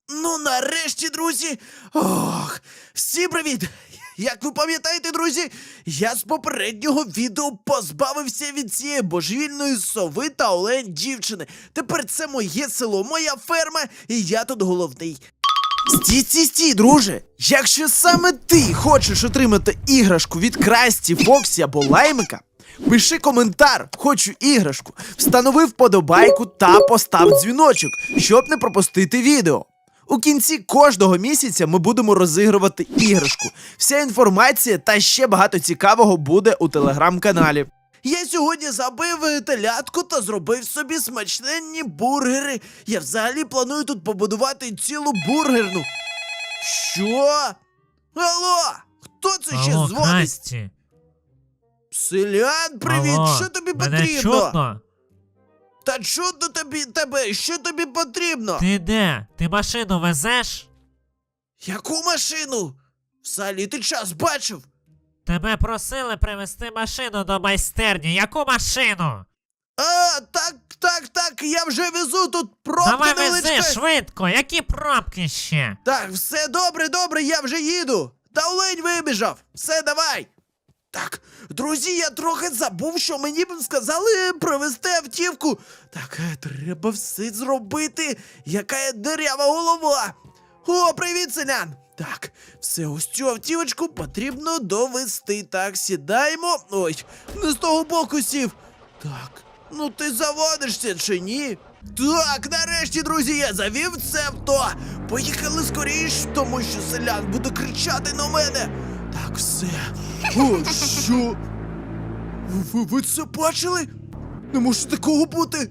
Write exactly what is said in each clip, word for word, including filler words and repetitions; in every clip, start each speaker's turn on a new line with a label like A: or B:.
A: Ну, нарешті, друзі. Ох, всім привіт! Як ви пам'ятаєте, друзі, я з попереднього відео позбавився від цієї божевільної сови та олень дівчини. Тепер це моє село, моя ферма, і я тут головний. Стій, стій, стій, друже! Якщо саме ти хочеш отримати іграшку від Красті, Фоксі або Лаймика, пиши коментар «Хочу іграшку», встанови вподобайку та постав дзвіночок, щоб не пропустити відео. У кінці кожного місяця ми будемо розігрувати іграшку. Вся інформація та ще багато цікавого буде у телеграм-каналі. Я сьогодні забив телятку та зробив собі смачненні бургери. Я взагалі планую тут побудувати цілу бургерну. Що? Алло? Хто це ще
B: Алло,
A: дзвонить?
B: Красті.
A: Селян, привіт!
B: Алло,
A: Що тобі
B: мене
A: потрібно?
B: чутно?
A: Та чудно тобі тебе? Що тобі потрібно?
B: Ти де? Ти машину везеш?
A: Яку машину? Взагалі ти час бачив?
B: Тебе просили привезти машину до майстерні. Яку машину?
A: А, так, так, так, я вже везу, тут пробка
B: Давай
A: невеличка.
B: вези швидко, які пробки ще?
A: Так, все добре, добре, я вже їду. Та олень вибіжав. Все, давай. Так, друзі, я трохи забув, що мені б сказали привезти автівку. Так, е, треба все зробити. Яка я дирява голова. О, привіт, селян. Так, все, ось цю автівочку потрібно довести. Так, сідаємо. Ой, не з того боку сів. Так, ну ти заводишся чи ні? Так, нарешті, друзі, я завів це авто. Поїхали скоріш, тому що селян буде кричати на мене. Так, все. О, що? Ви, ви це бачили? Не може такого бути.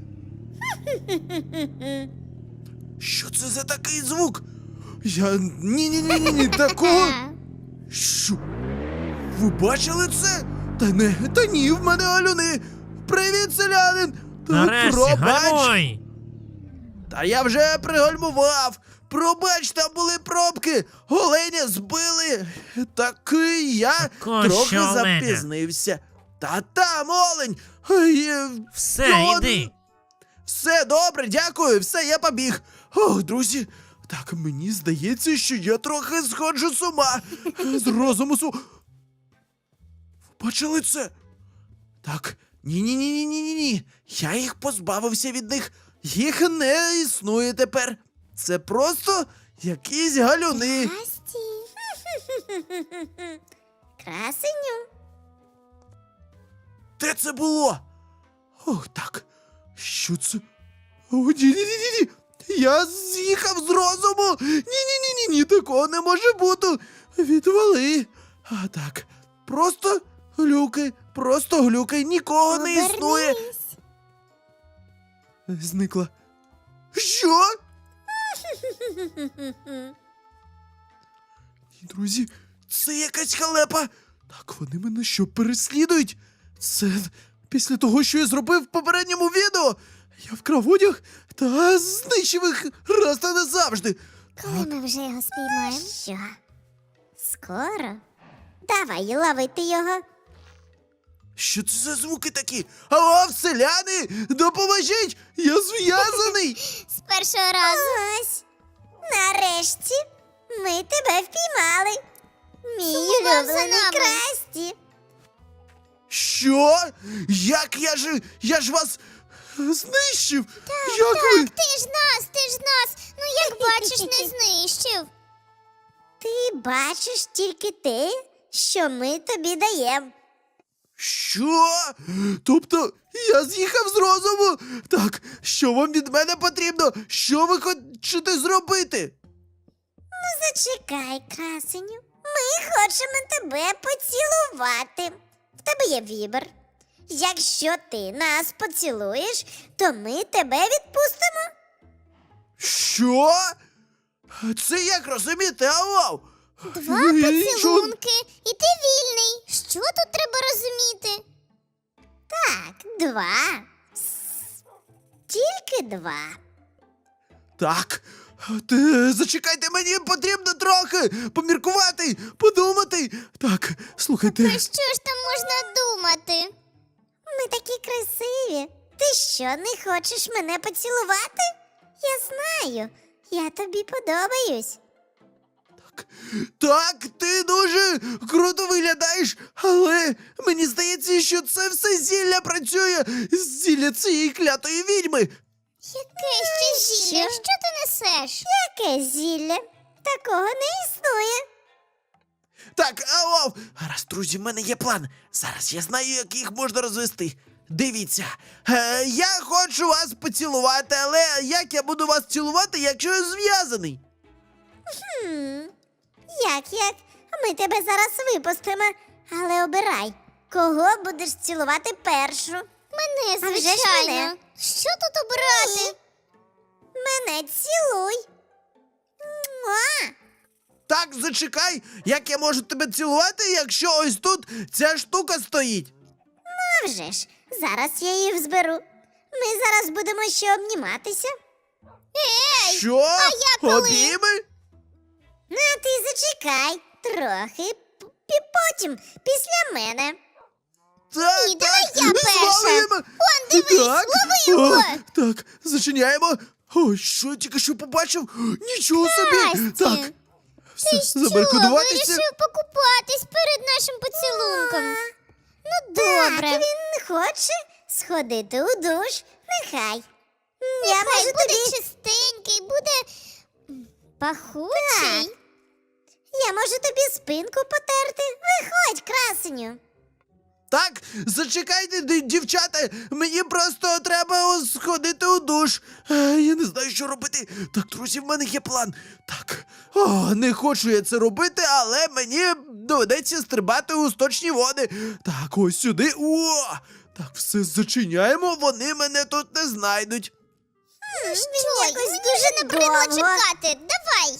A: Що це за такий звук? Я... Ні-ні-ні-ні, такого... Що? Ви бачили це? Та не, та ні, в мене алюни. Привіт, селянин. Так,
B: Нарешті,
A: пробач.
B: гальмуй!
A: Та я вже пригальмував. Пробач, там були пробки. Оленя збили. Так і я
B: Такого
A: трохи
B: ще оленя?
A: запізнився. Та там олень. Ай, е,
B: Все,
A: ну,
B: йди.
A: Все добре, дякую, все, я побіг. Ох, друзі, так мені здається, що я трохи сходжу з ума. З розуму су. Ви бачили це? Так, ні-ні-ні-ні-ні-ні. Я їх позбавився від них. Їх не існує тепер. Це просто якісь галюни.
C: Красті. Красеню.
A: Де це було? Ох, так. Що це? О, ні-ні-ні-ні. Я з'їхав з розуму. Ні-ні-ні-ні, такого не може бути. Відвали. А так, просто глюки, просто глюки, нікого не існує.
C: Обернись.
A: Зникла. Що? Ні, друзі, це якась халепа. Так, вони мене що, переслідують? Це після того, що я зробив в попередньому відео. Я вкрав одяг та знищив їх раз та назавжди.
C: Коли ми вже його спіймаємо? Що? Скоро? Давай ловити його.
A: Що це за звуки такі? Алло, селяни, допоможіть! Я зв'язаний!
C: З першого разу. Ось. Нарешті ми тебе впіймали. Мій улюблений Красті.
A: Що? Як я ж. Я ж вас знищив? Як ви?
C: Ти ж нас, ти ж нас. Ну як бачиш, не знищив. Ти бачиш тільки те, що ми тобі даємо.
A: Що? Тобто я з'їхав з розуму? Так, що вам від мене потрібно? Що ви хочете зробити?
C: Ну зачекай, красеню. Ми хочемо тебе поцілувати. В тебе є вибір. Якщо ти нас поцілуєш, то ми тебе відпустимо.
A: Що? Це як розуміти, алло?
C: Два
A: Я нічого-
C: поцілунки, і ти вільний. Що тут треба розуміти? Так, два. С- Тільки два.
A: Так, ти, зачекайте, мені потрібно трохи поміркувати, подумати. Так, слухайте.
C: Про що ж там можна думати? Ми такі красиві. Ти що, не хочеш мене поцілувати? Я знаю, Я тобі подобаюсь.
A: Так, ти дуже круто виглядаєш, але мені здається, що це все зілля працює. Зілля цієї клятої відьми.
C: Яке ще зілля? Що ти несеш? Яке зілля? Такого не існує.
A: Так, ау, гаразд, друзі, в мене є план. Зараз я знаю, як їх можна розвести. Дивіться, е, я хочу вас поцілувати, але як я буду вас цілувати, якщо я зв'язаний?
C: Хм, як як? Ми тебе зараз випустимо. Але обирай, кого будеш цілувати першу. Мене,
D: звичайно.
C: звичайно. Що тут обирати? Мене цілуй. Муа!
A: Так, зачекай, як я можу тебе цілувати, якщо ось тут ця штука стоїть?
C: А вже ж, зараз я її зберу. Ми зараз будемо ще обніматися. Ей!
A: Що?
C: а я коли?
A: Обійми?
C: Ну, а ти зачекай трохи, п- пі- потім, після мене.
A: Так,
C: Ні,
A: так,
C: давай я перша.
A: зловимо.
C: Он, дивись,
A: так.
C: лови його.
A: О, так, зачиняємо. О, що я тільки що побачив? Нічого собі.
C: Красті,
A: Так, все, забаркодуватися.
D: Вирішив покупатись перед нашим поцілунком. Ну, добре.
C: Так, він хоче сходити у душ. Нехай. Я
D: Нехай
C: можу
D: буде
C: тобі...
D: чистенький, буде м, пахучий.
C: Так. Я можу тобі спинку потерти. Виходь, красеню.
A: Так, зачекайте, д- дівчата, мені просто треба о, сходити у душ. Е, я не знаю, що робити. Так, друзі, в мене є план. Так, о, не хочу я це робити, але мені доведеться стрибати у сточні води. Так, ось сюди. О! Так, все зачиняємо, вони мене тут не знайдуть.
C: Він
D: Що,
C: якось
D: мені
C: дуже
D: вже набридло
C: довго.
D: чекати. Давай.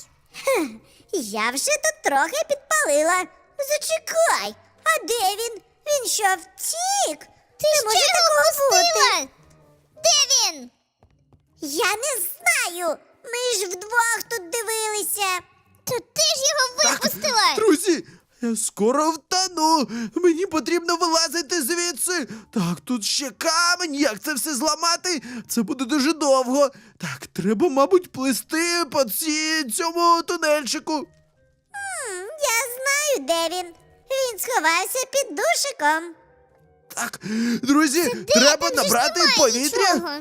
C: Я вже тут трохи підпалила. Зачекай. А де він? Він що, втік?
D: Ти
C: не
D: ще
C: може
D: його
C: такого бути.
D: пустила? Де він?
C: Я не знаю. Ми ж вдвох тут дивилися.
D: То ти ж його
A: Так,
D: випустила.
A: друзі, я скоро втону. Мені потрібно вилазити звідси. Так, тут ще камінь. Як це все зламати? Це буде дуже довго. Так, треба, мабуть, плисти по ці, цьому тунельчику.
C: М, Я знаю, де він. Він сховався під душиком.
A: Так, друзі, треба
D: Там же ж
A: набрати
D: немає
A: повітря.
D: нічого.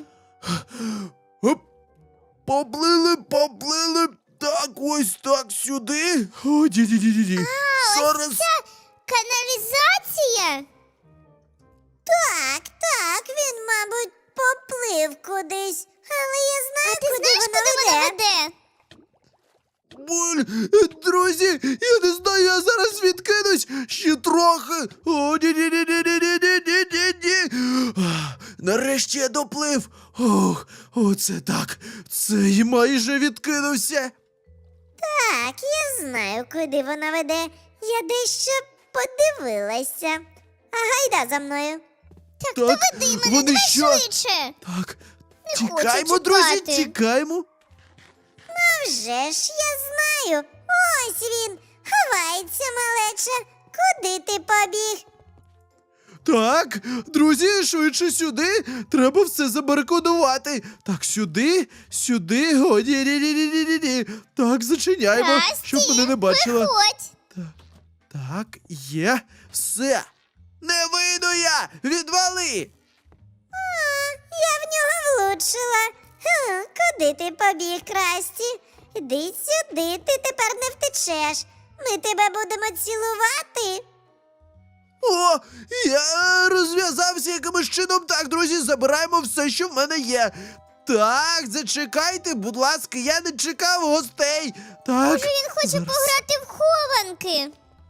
A: Оп. Поплили, поплили. Так, ось так сюди. О, ді-ді-ді-ді. Зараз.
D: Каналізація?
C: Так, так, він, мабуть, поплив кудись. Але я знаю,
D: А ти
C: куди
D: знаєш,
C: воно
D: куди вона
C: веде.
D: веде?
A: Буль, друзі, я не знаю, я зараз відкинусь. Ще трохи. О, ні-ні-ні-ні-ні-ні-ні-ні. А, нарешті я доплив. Ох, оце так. Це й майже відкинувся.
C: Так, я знаю, куди вона веде. Я дещо подивилася. А гайда за мною.
D: Так,
A: Так,
D: доведи мене,
A: вони
D: давай
A: що?
D: швидше.
A: Так,
D: Не хочу
A: тікаймо, друзі,
D: чекати.
A: тікаймо.
C: А вже ж я знаю. Ось він. Ховається, малеча. Куди ти побіг?
A: Так, друзі, швидше сюди. Треба все забарикодувати. Так, сюди, сюди. О, ні-ні-ні-ні-ні-ні. Так, зачиняємо,
D: Расті,
A: щоб мене не бачила.
D: Виходь.
A: Так, так, є. Все. Не вийду я! Відвали!
C: Я в нього влучила. Хм, куди ти побіг, Красті? Іди сюди, ти тепер не втечеш. Ми тебе будемо цілувати.
A: О, я розв'язався якимось чином. Так, друзі, забираємо все, що в мене є. Так, зачекайте, будь ласка, я не чекав гостей. Так.
D: Може, він хоче
A: зараз.
D: пограти в хованки.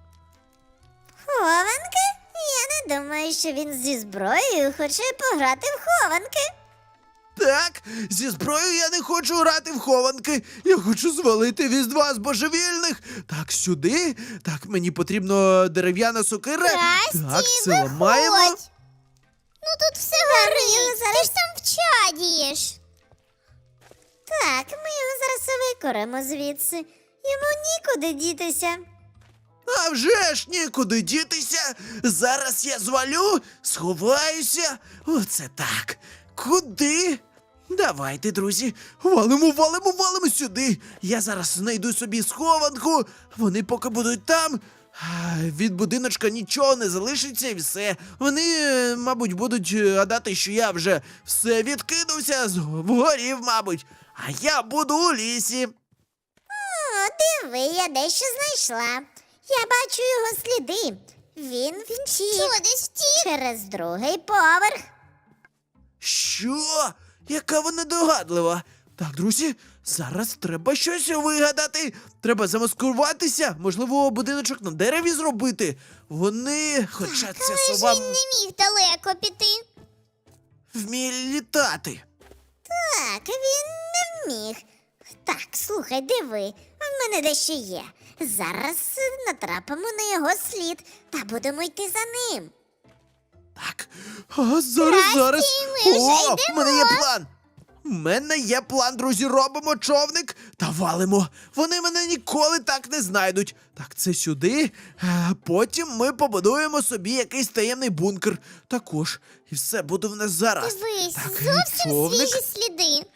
C: Хованки? Я не думаю, що він зі зброєю хоче пограти в хованки.
A: Так, зі зброєю я не хочу грати в хованки. Я хочу звалити від вас божевільних. Так, сюди. Так, мені потрібно дерев'яна сокира.
D: Красті,
A: Так, це
D: виходь.
A: ламаємо.
D: Ну тут все
C: його
D: горить,
C: зараз-
D: ти ж там вчадієш.
C: Так, ми його зараз викоримо звідси. Йому нікуди дітися.
A: А вже ж нікуди дітися. Зараз я звалю, сховаюся. Оце так. Куди? Давайте, друзі, валимо, валимо, валимо сюди. Я зараз знайду собі схованку. Вони поки будуть там. а, Від будиночка нічого не залишиться і все. Вони, е, мабуть, будуть е, гадати, що я вже все відкинувся, згорів, мабуть. А я буду у лісі.
C: О, диви, я дещо знайшла. Я бачу його сліди. Він втік
D: Що, десь втік?
C: через другий поверх.
A: Що? Яка вона догадлива. Так, друзі, зараз треба щось вигадати. Треба замаскуватися, можливо, будиночок на дереві зробити. Вони, хоча ця
D: Але ж
A: сова
D: він не міг далеко піти.
A: вміє літати.
C: Так, він не вміг. Так, слухай, диви, в мене дещо є. Зараз е, натрапимо на його слід та будемо йти за ним.
A: Так, а зараз, зараз.
D: ми вже
A: О, в
D: йдемо.
A: мене є план. У мене є план, друзі, робимо човник та валимо. Вони мене ніколи так не знайдуть. Так, це сюди. А потім ми побудуємо собі якийсь таємний бункер. Також. І все буде в нас зараз.
D: Дивись,
A: так,
D: зовсім
A: човник.
D: свіжі сліди.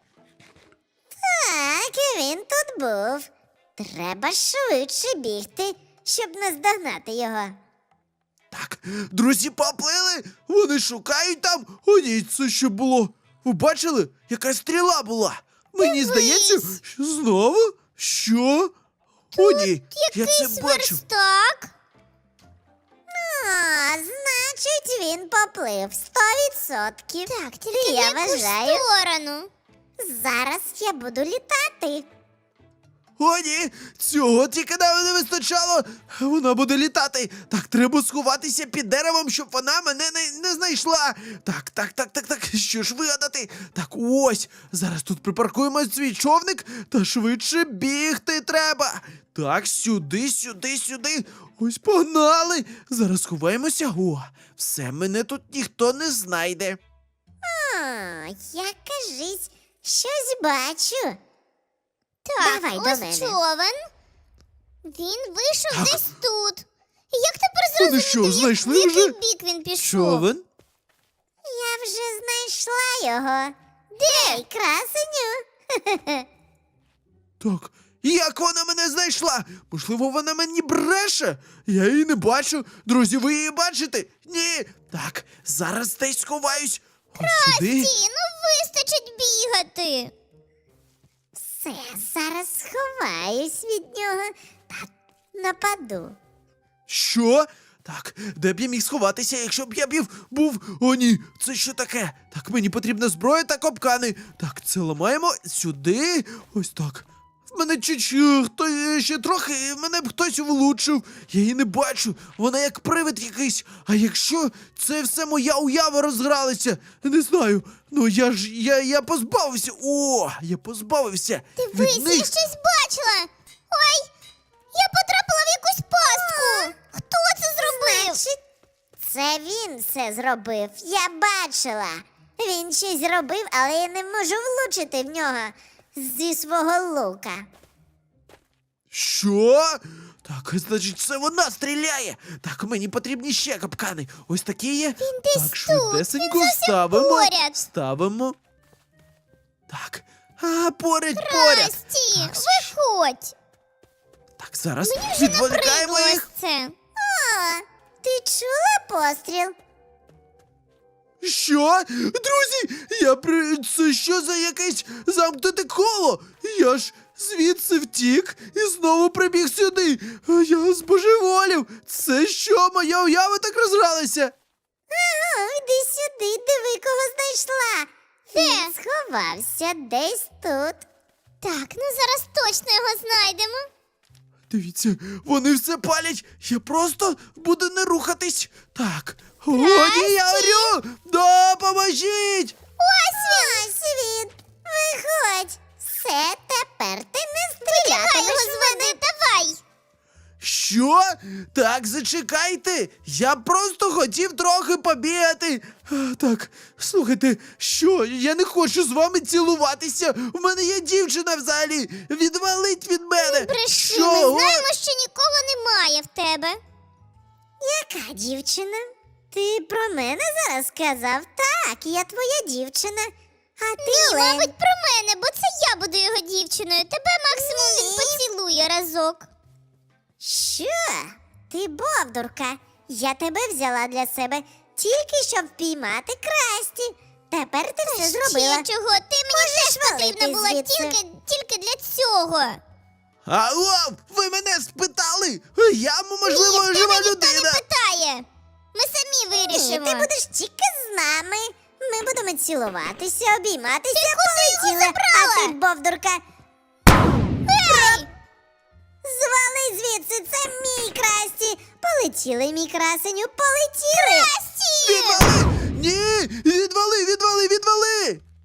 C: Так, він тут був. Треба швидше бігти, щоб наздогнати його.
A: Так, друзі, поплили. Вони шукають там. О, ні, це що було? Ви бачили? Яка стріла була? Мені здається, що знову? Що? О, ні, я це
D: Якийсь
A: бачу.
D: верстак.
C: А, значить, він поплив сто відсотків.
D: Так, тільки
C: я
D: в яку ж
C: вважаю,
D: сторону.
C: зараз я буду літати.
A: О, ні, цього тільки нам не вистачало. Вона буде літати. Так, треба сховатися під деревом, щоб вона мене не, не знайшла. Так, так, так, так, так. Що ж вигадати? Так, ось. Зараз тут припаркуємо свій човник та швидше бігти треба. Так, сюди, сюди, сюди. Ось погнали. Зараз сховаємося. О, все, мене тут ніхто не знайде.
C: А, я, кажись, щось бачу.
D: Так,
C: Давай до
D: ось
C: мене.
D: човен. Він вийшов
A: Так.
D: десь тут. І як тепер
A: Вони
D: зрозуміти,
A: що,
D: як-
A: знайшли
D: в який
A: вже?
D: бік він пішов?
A: Човен?
C: Я вже знайшла його. Де? Красеню?
A: Так, як вона мене знайшла? Можливо, вона мені бреше? Я її не бачу. Друзі, ви її бачите? Ні. Так, зараз десь сховаюсь. Ось сюди.
D: Ті, ну вистачить бігати.
C: Все, зараз сховаюсь від нього та нападу.
A: Що? Так, де б я міг сховатися, якщо б я б був. О, ні, це що таке? Так, мені потрібна зброя та капкани. Так, це ламаємо сюди. Ось так. В мене чуть-чуть, хто ще трохи, мене б хтось влучив. Я її не бачу. Вона як привид якийсь. А якщо це все моя уява розгралася? Не знаю. Ну я ж я, я позбавився. О, я позбавився.
D: Дивись,
A: від
D: я
A: них.
D: щось бачила. Ой, я потрапила в якусь пастку. Хто це зробив?
C: Значить, це він все зробив. Я бачила. Він щось зробив, але я не можу влучити в нього зі свого лука.
A: Що? Так, значить, це вона стріляє. Так, мені потрібні ще капкани. Ось такі є.
D: Він десь
A: так,
D: тут,
A: швидесенько
D: він зовсім
A: ставимо.
D: поряд.
A: Ставимо. Так. А, поряд, поряд.
D: Расті,
A: Так,
D: виходь.
A: Так, зараз
D: Мені вже
A: відволікаємо
D: набридло
A: їх.
D: ось це.
C: О, ти чула постріл?
A: Що? Друзі, я при... Це що за якесь замкнуте коло? Я ж звідси втік і знову прибіг сюди. Я збожеволів. Це що, моя уява так розгралася?
C: О, йди сюди, диви, кого знайшла. Він сховався десь тут.
D: Так, ну зараз точно його знайдемо.
A: Дивіться, вони все палять. Я просто буду не рухатись. Так. О, ні, я орю! Допоможіть!
C: Ось він! Ось він! Виходь! Все, тепер ти не
D: Нехай
C: стрілятимеш
D: його
C: в мене.
D: зведи, давай.
A: Що? Так, зачекайте. Я просто хотів трохи побігати. А, Так, слухайте, що? Я не хочу з вами цілуватися. У мене є дівчина взагалі. Відвалить від мене.
D: Бреши,
A: Що?
D: ми знаємо, що нікого немає в тебе.
C: Яка дівчина? Ти про мене зараз сказав? Так, я твоя дівчина. А ти,
D: Ні,
C: Олень.
D: мабуть, про мене, бо це я буду його дівчиною. Тебе максимум він
C: Ні.
D: поцілує разок.
C: Що? Ти бовдурка. Я тебе взяла для себе тільки щоб впіймати Красті. Тепер ти все зробила.
D: Ще чого? Ти мені
C: Можеш
D: теж потрібна
C: валити
D: була
C: звідси.
D: тільки, тільки для цього.
A: Алло, ви мене спитали? Я, можливо,
D: Ні, в
A: жива
D: тебе ніхто
A: людина.
D: не питає. Ми самі
C: Ні,
D: вирішимо.
C: ти будеш тільки з нами. Ми будемо цілуватися, обійматися,
D: Ти куди його
C: полетіли.
D: забрала?
C: А ти, бовдурка,
D: Ей!
C: звали звідси, це мій Красті. Полетіли, мій красеню, полетіли.
A: Відвали! Ні,